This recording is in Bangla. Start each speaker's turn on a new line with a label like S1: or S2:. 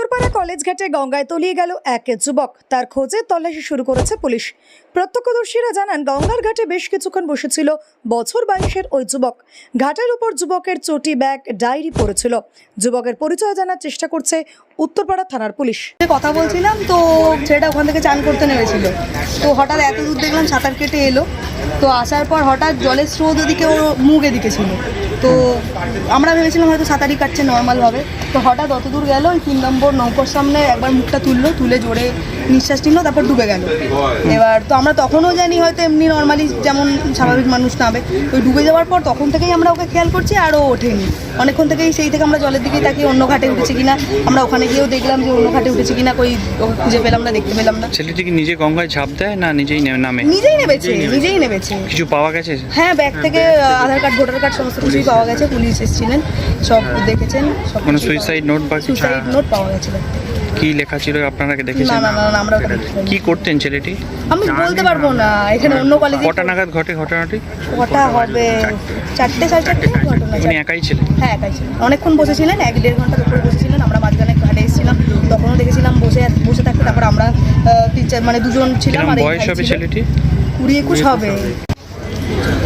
S1: উত্তরপাড়া কলেজ ঘাটে গঙ্গায় তলিয়ে গেল এক যুবক। তার খোঁজে তল্লাশি শুরু করেছে পুলিশ। প্রত্যক্ষদর্শীরা জানান, গঙ্গার ঘাটে বেশ কিছুক্ষণ বসেছিল বছর 22-এর ওই যুবক। ঘাটের উপর যুবকের চটি, ব্যাগ, ডায়েরি পড়েছিল। যুবকের পরিচয় জানার চেষ্টা করছে উত্তরপাড়া থানার পুলিশ।
S2: কথা বলছিলাম তো ছেলেটা ওখান থেকে চান করতে নেমেছিল, তো হঠাৎ এত দূর দেখলাম সাঁতার কেটে এলো। তো আসার পর হঠাৎ জলের স্রোত ওদিকে ওর মুখ এদিকে ছিল, তো আমরা ভেবেছিলাম হয়তো সাঁতারই কাটছে নর্মালভাবে। তো হঠাৎ অত দূর গেল, ওই 3 নম্বর নৌকোর সামনে একবার মুখটা তুলে জোরে নিঃশ্বাস নিল, তারপর ডুবে গেল। এবার তো আমরা তখনও জানি হয়তো এমনি নর্মালি যেমন স্বাভাবিক মানুষ নামে, ওই ডুবে যাওয়ার পর তখন থেকেই আমরা ওকে খেয়াল করছি, আরও ওঠেনি অনেকক্ষণ থেকেই। সেই থেকে আমরা জলের দিকেই তাকিয়ে অন্য ঘাটে উঠেছে কিনা, আমরা ওখানে গিয়েও দেখলাম যে অন্য ঘাটে উঠেছে কিনা, কই ওকে খুঁজে পেলাম না, দেখতে পেলাম না।
S3: ছেলেটি কি নিজে গঙ্গায় ঝাঁপ দেয় না নিজেই নামে?
S2: নিজেই নেমেছে।
S3: কিছু পাওয়া গেছে?
S2: হ্যাঁ, ব্যাগ থেকে আধার কার্ড, ভোটার কার্ড সমস্ত কিছুই পাওয়া গেছে। পুলিশ এসেছিলেন, সব দেখেছেন। সব
S3: মানে সুইসাইড নোট বা
S2: সুইসাইড নোট পাওয়া গেছে।
S3: কি লেখা ছিল আপনারা দেখেছেন?
S2: না, আমরা ওটা দেখিনি।
S3: কি করতেন ছেলেটি?
S2: আমি বলতে পারবো না, এখানে অন্য কলেজে।
S3: কটা নাগাদ ঘটে ঘটনাটি?
S2: কটা হবে? 4টে, 4:30 ঘটনা।
S3: উনি একাই ছিলেন?
S2: হ্যাঁ, একাই ছিলেন। অনেকক্ষণ বসেছিলেন, 1-1.5 ঘন্টার উপরে বসেছিলেন। আমরা মাঝখানে ঘাটে এসেছিলাম, তখনও দেখেছিলাম বসে থাকতে। তারপর আমরা 3-4 মানে 2জন ছিলাম। আর
S3: বয়স হবে ছেলেটি?
S2: 20-21 হবে।